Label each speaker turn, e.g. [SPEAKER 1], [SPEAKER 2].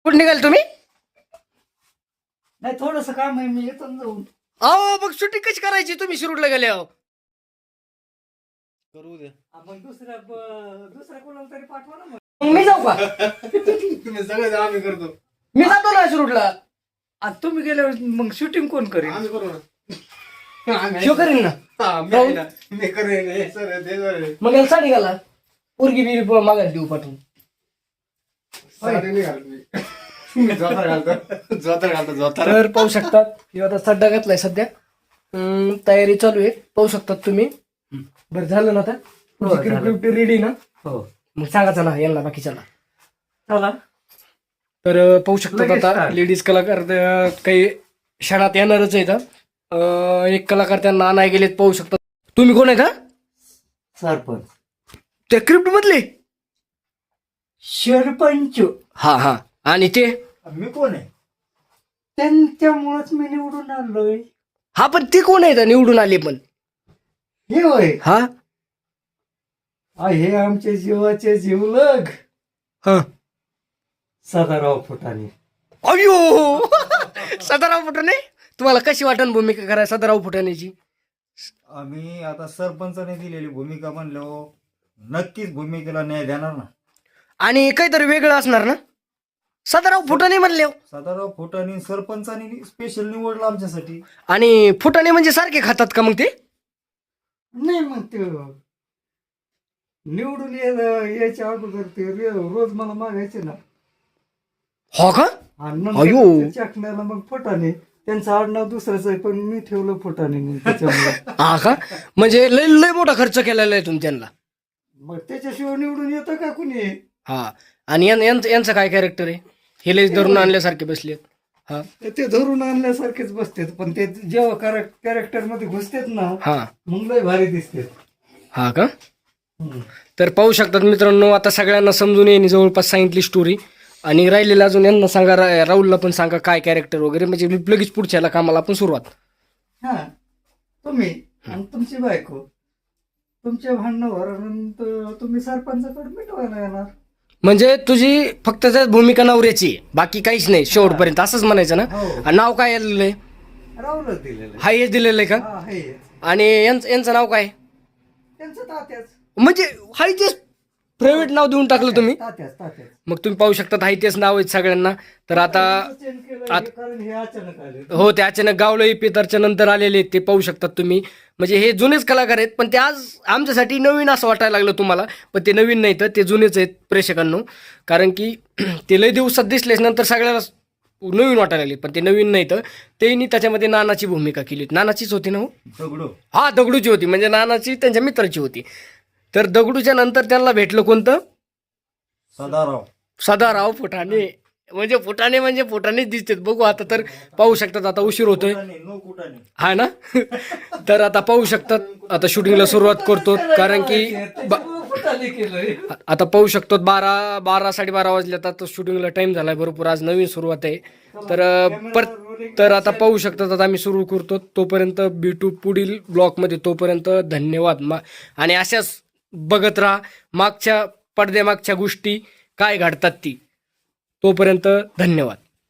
[SPEAKER 1] कुठे निघाल तुम्ही?
[SPEAKER 2] नाही थोडस काम आहे, मी येतो ना जाऊन.
[SPEAKER 1] अहो मग शूटिंग कशी करायची तुम्ही शिरूरला गेले अहो?
[SPEAKER 3] करू दे.
[SPEAKER 2] आपण दुसऱ्या कोणाला तरी पाठवा ना मग.
[SPEAKER 1] मग मी जाऊ का?
[SPEAKER 3] तुम्ही सगळं आम्ही करतो.
[SPEAKER 1] मी जातो ना शिरूरला.
[SPEAKER 2] आता तुम्ही गेल्यावर मग शूटिंग कोण करेल?
[SPEAKER 3] आम्ही करू ना.
[SPEAKER 1] शिव करीन ना.
[SPEAKER 3] मी आहे ना. मी करेन हे सर ते सर.
[SPEAKER 1] मग याला साडी घाला. पोरगी बिरी मागायला देऊ पाठवून.
[SPEAKER 3] साडी नाही घालत मी. मी जोतर घालतो.
[SPEAKER 1] तर पाहू शकतात हे आता सड्डा घातलाय सध्या. तयारी चालू आहे पाहू शकतात तुम्ही. बरं झालं ना आता रेडी ना?
[SPEAKER 2] हो
[SPEAKER 1] मग सांगा चला यांना बाकीच्याला.
[SPEAKER 2] चला.
[SPEAKER 1] तर पाहू शकतात
[SPEAKER 2] लगेच
[SPEAKER 1] आता
[SPEAKER 2] start.
[SPEAKER 1] लेडीज कलाकार काही क्षणात येणारच आहेत. एक कलाकार त्यांना नाही गेलेत पाहू शकतात. तुम्ही कोण आहे का?
[SPEAKER 2] सरपंच.
[SPEAKER 1] त्या क्रिप्ट मधले?
[SPEAKER 2] सरपंच.
[SPEAKER 1] हा हा. आणि ते
[SPEAKER 2] मी कोण आहे? त्यांच्यामुळेच मी निवडून आलोय.
[SPEAKER 1] हा पण ते कोण आहेत निवडून आले पण?
[SPEAKER 2] हे होय.
[SPEAKER 1] हा
[SPEAKER 2] हे आमचे जीवाचे जीवलग
[SPEAKER 1] हा.
[SPEAKER 2] सदाराव फुटाणे.
[SPEAKER 1] अयो सदाराव फुटाणे. तुम्हाला कशी वाटण भूमिका करायला सदाराव फुटाण्याची?
[SPEAKER 4] आम्ही आता सरपंचाने दिलेली भूमिका म्हणलो नक्कीच भूमिकेला न्याय देणार ना.
[SPEAKER 1] आणि काहीतरी वेगळं असणार ना? सदाराव फुटाणे म्हणले हो.
[SPEAKER 4] सदाराव फोटाने सरपंचाने स्पेशल निवडलं आमच्यासाठी.
[SPEAKER 1] आणि फुटाणे म्हणजे सारखे खातात का मग ते?
[SPEAKER 2] नाही मग ते निवडून यायच्या अगोदर ते रोज मला मागायचे ना.
[SPEAKER 1] हो का?
[SPEAKER 2] आणि
[SPEAKER 1] अयो.
[SPEAKER 2] नंतर चकण्याला मग फुटाणे. त्यांचं आडनाव दुसरंच आहे पण मी ठेवलं फुटाणे मग त्याच्यामुळे.
[SPEAKER 1] हा का? म्हणजे लय लय मोठा खर्च केलेला आहे तुम्ही त्यांना.
[SPEAKER 2] मग त्याच्याशिवाय निवडून येतं का कुणी?
[SPEAKER 1] हा. आणि यांचं काय कॅरेक्टर आहे? हे लयच धरून आणल्यासारखे बसले. हा
[SPEAKER 2] ते धरून आणल्यासारखेच बसतात पण ते जेव्हा कॅरेक्टर मध्ये घुसतात ना
[SPEAKER 1] हा
[SPEAKER 2] मग लय भारी दिसतात.
[SPEAKER 1] हा का? तर पाहू शकतात मित्रांनो आता सगळ्यांना समजून येईन जवळपास सांगितली स्टोरी. आणि राहिलेलं अजून यांना सांगा राहुलला पण सांगा काय कॅरेक्टर वगैरे म्हणजे लगेच पुढच्या कामाला आपण सुरुवात.
[SPEAKER 2] हा तुम्ही आणि तुमची बायको तुमच्या भांडणावर तुम्ही सरपंचाकडे मिटवायला येणार.
[SPEAKER 1] म्हणजे तुझी फक्त त्यात भूमिका नवऱ्याची आहे, बाकी काहीच नाही शेवटपर्यंत असंच म्हणायचं ना?
[SPEAKER 2] हो.
[SPEAKER 1] आणि नाव काय आलेलं आहे?
[SPEAKER 2] राहुलच दिलेलं
[SPEAKER 1] हा हेच दिलेलं आहे का?
[SPEAKER 2] हा हे
[SPEAKER 1] आणि यांचं नाव काय?
[SPEAKER 2] त्यांचं तात्याच
[SPEAKER 1] म्हणजे हाय तेच प्रायव्हेट नाव देऊन टाकलं तुम्ही.
[SPEAKER 2] तात्याच
[SPEAKER 1] मग तुम्ही पाहू शकता हाय तेच नाव आहेत सगळ्यांना. तर आता
[SPEAKER 2] चेंज केलं हे कारण हे अचानक आले.
[SPEAKER 1] हो ते अचानक गावलं पेतरच्या नंतर आलेले आहेत ते पाहू शकतात तुम्ही. म्हणजे हे जुनेच कलाकार आहेत पण ते आज आमच्यासाठी नवीन असं वाटायला लागलं तुम्हाला. पण ते नवीन नाही तर ते जुनेच आहेत प्रेक्षकांनो. कारण की ते लय दिवसात दिसलेच नंतर सगळ्याला नवीन वाटायला लागले. पण ते नवीन नाही तर त्यांनी त्याच्यामध्ये नानाची भूमिका केली होती. नानाचीच होती ना हो?
[SPEAKER 4] दगडू.
[SPEAKER 1] हा दगडूची होती म्हणजे नानाची त्यांच्या मित्राची होती. तर दगडूच्या नंतर त्यांना भेटलं कोणतं? सदाराव फुटाणे. म्हणजे फुटाणेच दिसतात. बघू आता तर पाहू शकतात आता उशीर होतोय
[SPEAKER 4] नो कुटाने.
[SPEAKER 1] हा ना. तर आता पाहू शकतात आता शूटिंगला सुरुवात करतो कारण की
[SPEAKER 2] फुटाणे केलंय.
[SPEAKER 1] आता पाहू शकतो 12 वाजल्यात आता शूटिंगला टाइम झालाय भरपूर. आज नवीन सुरुवात आहे. तर आता पाहू शकतात आता आम्ही सुरू करतो. तोपर्यंत भेटू पुढील ब्लॉगमध्ये. तोपर्यंत धन्यवाद. आणि अशाच बघत राहा पडद्यामागच्या गोष्टी काय घडतात ती. तोपर्यंत धन्यवाद.